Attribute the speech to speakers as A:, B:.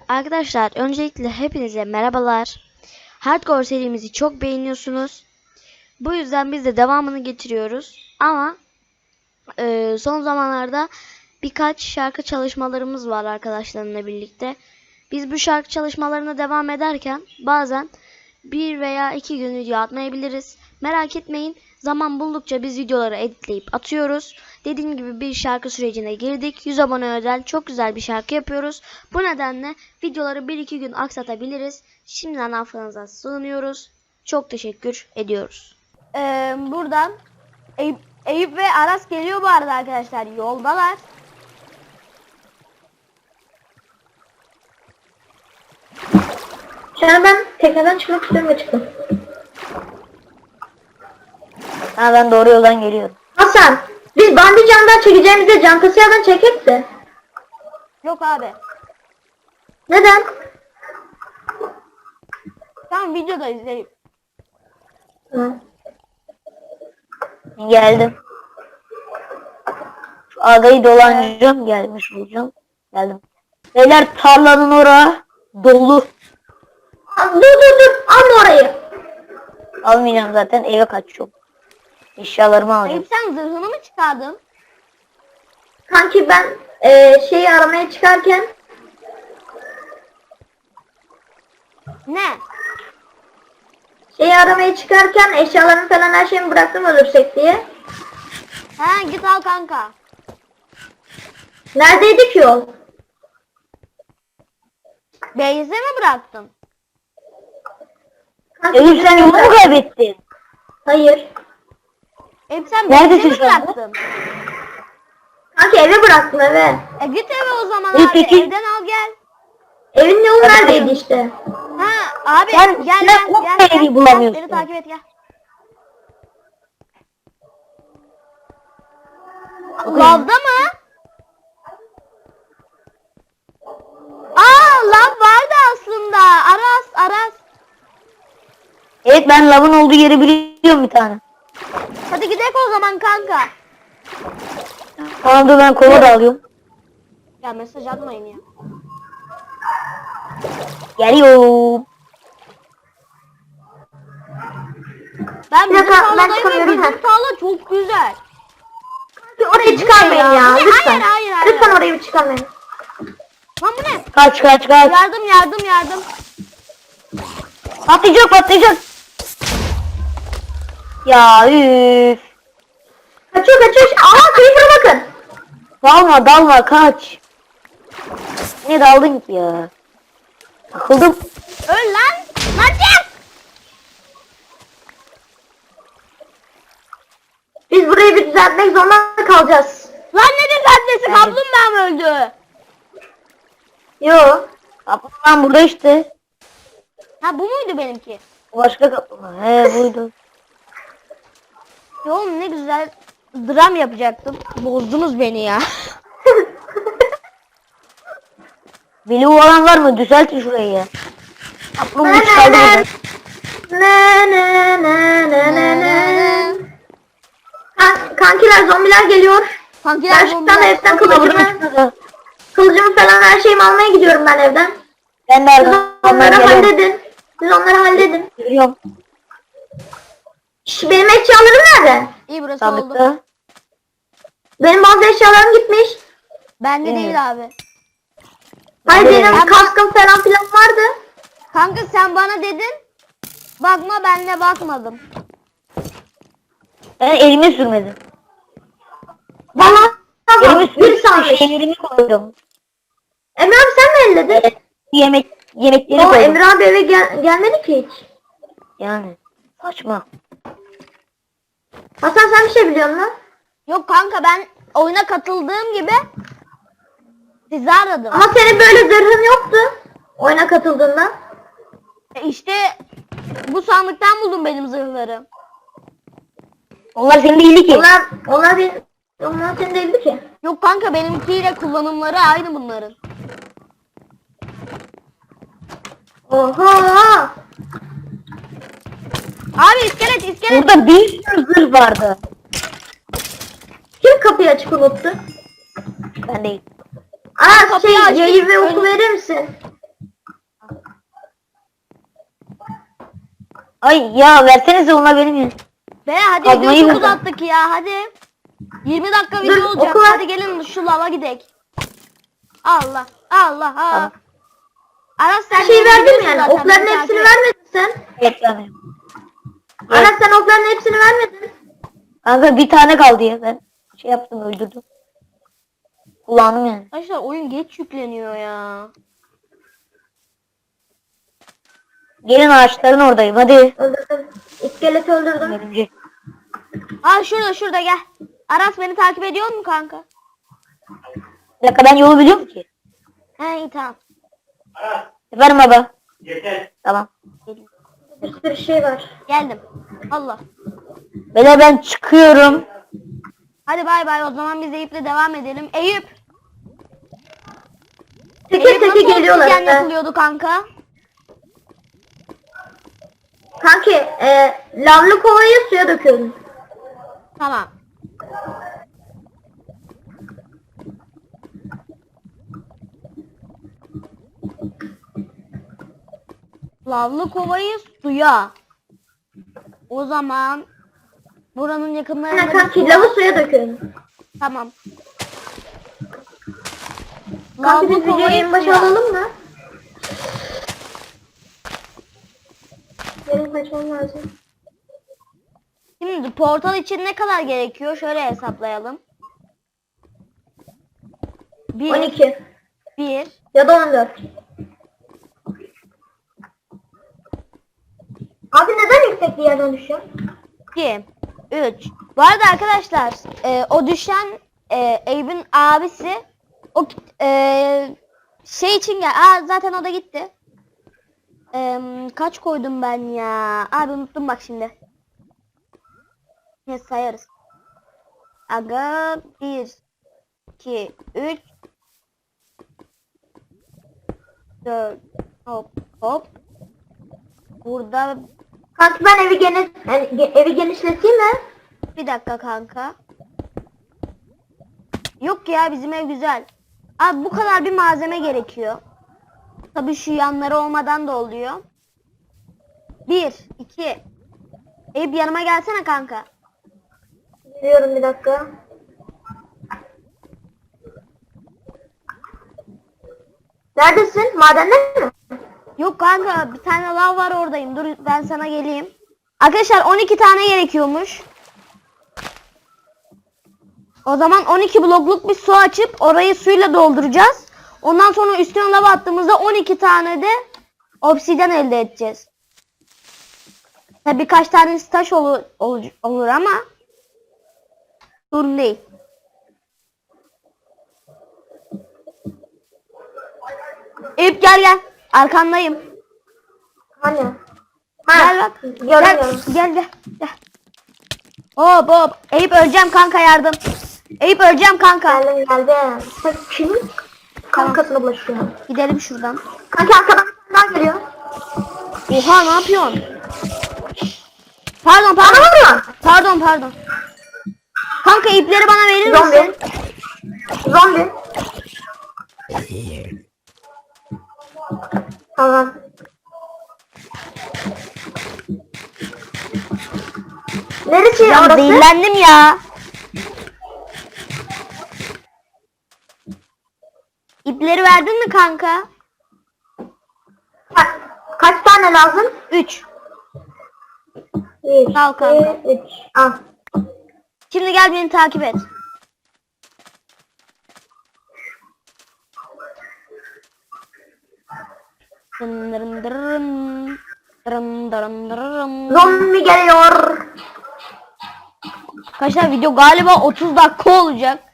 A: Arkadaşlar öncelikle hepinize merhabalar. Hardcore serimizi çok beğeniyorsunuz. Bu yüzden biz de devamını getiriyoruz. Ama son zamanlarda birkaç şarkı çalışmalarımız var arkadaşlarımla birlikte. Biz bu şarkı çalışmalarına devam ederken bazen 1 veya 2 gün video atmayabiliriz. Merak etmeyin. Zaman buldukça biz videoları editleyip atıyoruz. Dediğim gibi bir şarkı sürecine girdik. 100 abone özel çok güzel bir şarkı yapıyoruz. Bu nedenle videoları 1-2 gün aksatabiliriz. Şimdiden affınıza sığınıyoruz. Çok teşekkür ediyoruz.
B: Buradan Eyüp ve Aras geliyor bu arada arkadaşlar. Yoldalar.
C: Şu an ben tekneden çıkmak istiyorum ve çıktım.
B: Ha, ben doğru yoldan geliyorum.
C: Hasan, biz bandi camdan çekeceğimizde cam kasiyadan çekek de.
B: Yok abi.
C: Neden?
B: Tamam, videodayız Eyüp.
C: Hı.
D: Geldim. Şu adayı dolanacağım, gelmiş olacağım. Geldim. Beyler tarlanın oraya dolu.
C: Dur, alma orayı.
D: Almayacağım zaten, eve kaçıyorum. Eşyalarımı alacağım.
B: Eyüp, sen zırhını mı çıkardın?
C: Kanki ben şeyi aramaya çıkarken
B: Ne?
C: eşyalarımı falan her şeyimi bıraktım ölürsek diye.
B: Ha, git al kanka.
C: Neredeydi ki yol?
B: Beyze mi bıraktın?
C: Kanki,
D: Elif, sen yolu mu kaybettin?
C: Hayır.
B: Eyüp, sen
D: Neredesin
B: Beyze mi
D: şu anda?
B: bıraktın?
C: Kanki eve bıraktım eve.
B: Git eve o zaman
D: İyi,
B: abi.
D: peki.
B: Evden al gel.
C: Evin yolu
D: Hadi
C: neredeydi
D: bakalım.
C: işte?
B: Ha abi,
D: Sen-
B: gel
D: sen
B: gel
D: o
B: gel.
D: evi
B: Gel,
D: bulamıyorsun.
B: beni takip et, gel. Lavda mı? Lav vardı aslında. Aras.
D: Evet, ben lavın olduğu yeri biliyorum bir tane.
B: Hadi gidelim o zaman kanka.
D: Tamam, dur ben kova da alıyorum.
B: Ya mesaj atmayın ya.
D: Geliyorum.
B: Ben
C: Bir
B: bizim
C: dakika, ben
B: tarladayım ve
C: çıkamıyorum,
B: bizim
C: ha.
B: tarla çok güzel.
C: Kanki orayı çıkarmayın ya.
B: Hayır,
C: Lütfen.
B: hayır.
C: Lütfen orayı bir çıkarmayın.
B: Lan bu ne?
D: Kaç.
B: Yardım.
D: Patlayacak. Ya üf.
C: Kaçıyor. Aha creeper'a bakın.
D: Dalma kaç. Ne daldın ki ya? Takıldım.
B: Öl lan. Hadi.
C: Biz burayı bir düzeltmek zorunda kalacağız.
B: Lan ne düzeltmesi, kaplumbağa mı öldü?
C: Yo.
D: Kaplan burada işte.
B: Ha, bu muydu benimki?
D: Başka kaplumbağa. He, buydu.
B: Ya oğlum, ne güzel dram yapacaktım. Bozdunuz beni ya.
D: Veli olan var mı? Düzeltin şurayı ya. Kaplumbağa çıkardı buradan.
C: Ne. Kankiler zombiler geliyor.
B: Kankiler
C: Ben şuradan evden
D: Burada.
C: kılıcımı falan her şeyimi almaya gidiyorum ben evden.
D: Ben de
C: Siz
D: arkamdan
C: onları
D: geliyorum.
C: halledin.
D: Geliyorum.
C: Benim eşyalarım nerede?
B: İyi, burası oldu.
D: Sandıkta.
C: Benim bazı eşyalarım gitmiş.
B: Bende
D: Evet.
B: değil abi.
C: Hayır
D: Nerede?
C: benim kaskım falan filan vardı.
B: Kanka sen bana dedin. Bakma, ben de bakmadım.
D: Ben elime sürmedim.
C: Bana
D: Elime
C: bir
D: sürmedim.
C: saniye.
D: Şeylerimi koydum.
C: Emre abi sen mi elledin?
D: Evet, yemekleri
C: O
D: koydum.
C: Emre abi eve gelmedi ki hiç.
D: Yani saçma.
C: Hasan sen bir şey biliyor musun?
B: Yok kanka, ben oyuna katıldığım gibi sizi aradım.
C: Ama senin böyle zırhın yoktu. Oyuna katıldığında.
B: İşte bu sandıktan buldum benim zırhları.
D: Onlar senin değildi ki.
C: Onlar senin değildi ki.
B: Yok kanka, benimkiyle kullanımları aynı bunların.
C: Oha!
B: Abi iskelet.
D: Burada bir sürü zırh vardı.
C: Kim kapıyı açık unuttu?
D: Ben değil.
C: Aa
B: Kapıyı açtım.
C: yayı ve oku verir misin?
D: Ay ya versenize ona benim ya.
B: Be hadi
D: Kazmayı
B: videoyu çok
D: ver.
B: uzattık ya hadi. 20 dakika
C: Dur,
B: video olacak.
C: oku ver.
B: Hadi gelin şu lava gidek. Allah Allah.
D: Tamam.
B: Aras sen
C: Her şeyi
B: de
C: verdim
B: biliyorsun
C: yani.
B: zaten,
C: Okların
B: beni
C: hepsini
B: takip et.
C: vermedin sen.
D: Evet yani.
C: Aras sen okların hepsini vermedin.
D: Kanka bir tane kaldı ya ben. Şey yaptım öldürdüm. Kullandım yani.
B: Arkadaşlar oyun geç yükleniyor ya.
D: Gelin ağaçların oradayım hadi.
C: Öldürdüm. İskeleti öldürdüm.
D: Örümcek.
B: Aa şurada gel. Aras beni takip ediyor mu kanka?
D: Bir dakika ben yolu biliyorum ki.
B: He iyi tamam.
D: Efendim baba. Tamam.
C: Bir sürü şey var.
B: Geldim. Allah.
D: Beyler ben çıkıyorum.
B: Hadi bay bay o zaman biz Eyüp'le devam edelim. Eyüp.
C: Teke
B: Eyüp
C: teke
B: nasıl
C: geliyorlar.
B: oksijen
C: işte.
B: yapılıyordu kanka?
C: Kanki lavlı kovayı suya döküyorum.
B: Tamam. Lavlı kovayı suya. O zaman buranın
C: Aynen
B: yakınlarında bir
C: kanki
B: su
C: lavı
B: var.
C: suya döküyorum.
B: Tamam.
C: Kanki biz
B: Lavlı
C: videoyu
B: kovayı
C: en başa
B: suya.
C: alalım mı? Benim kaçmam lazım.
B: Şimdi portal için ne kadar gerekiyor? Şöyle hesaplayalım.
C: 12
B: 1
C: ya da 14. Abi neden yüksek bir yerden düşüyor?
B: 2 3. Bu arada arkadaşlar o düşen Eyüp'ün abisi o şey için gel. Aa zaten o da gitti. Kaç koydum ben ya? Abi unuttum bak şimdi. Ne sayarız. Aga 1 2 3 4 hop hop. Burada
C: Kanki ben evi genişleteyim mi?
B: bir dakika kanka. Yok ya bizim ev güzel. Abi bu kadar bir malzeme gerekiyor. Tabii şu yanları olmadan da oluyor. 1 2 Eyüp yanıma gelsene kanka.
C: Biliyorum bir dakika. Neredesin? Madende mi?
B: Yok kanka bir tane lav var oradayım. Dur ben sana geleyim. Arkadaşlar 12 tane gerekiyormuş. O zaman 12 blokluk bir su açıp orayı suyla dolduracağız. Ondan sonra üstüne lava attığımızda 12 tane de obsidyen elde edeceğiz. Tabi birkaç tane taş olur ama sorun değil. Eyüp gel. Arkandayım.
C: Hani?
B: Gel bak.
C: Görüyorum.
B: Gel. Hop. Eyüp öleceğim kanka yardım. Eyüp öleceğim kanka.
C: Geldim. Sen kimin kankasına bulaşıyorsun?
B: Gidelim şuradan.
C: Kanki arkadan bir tane daha geliyor.
B: Oha ne yapıyorsun? Pardon.
C: Bana vurma.
B: Pardon. Kanka ipleri bana verir misin?
C: Zombi. Tamam. Neresi
B: Ya
C: orası?
B: zehirlendim ya. İpleri verdin mi kanka?
C: Kaç tane lazım?
B: 3.
C: 1,
B: Al kanka.
C: 2, 3. Al.
B: Şimdi gel beni takip et.
C: Zombi geliyor.
B: Arkadaşlar video galiba 30 dakika olacak.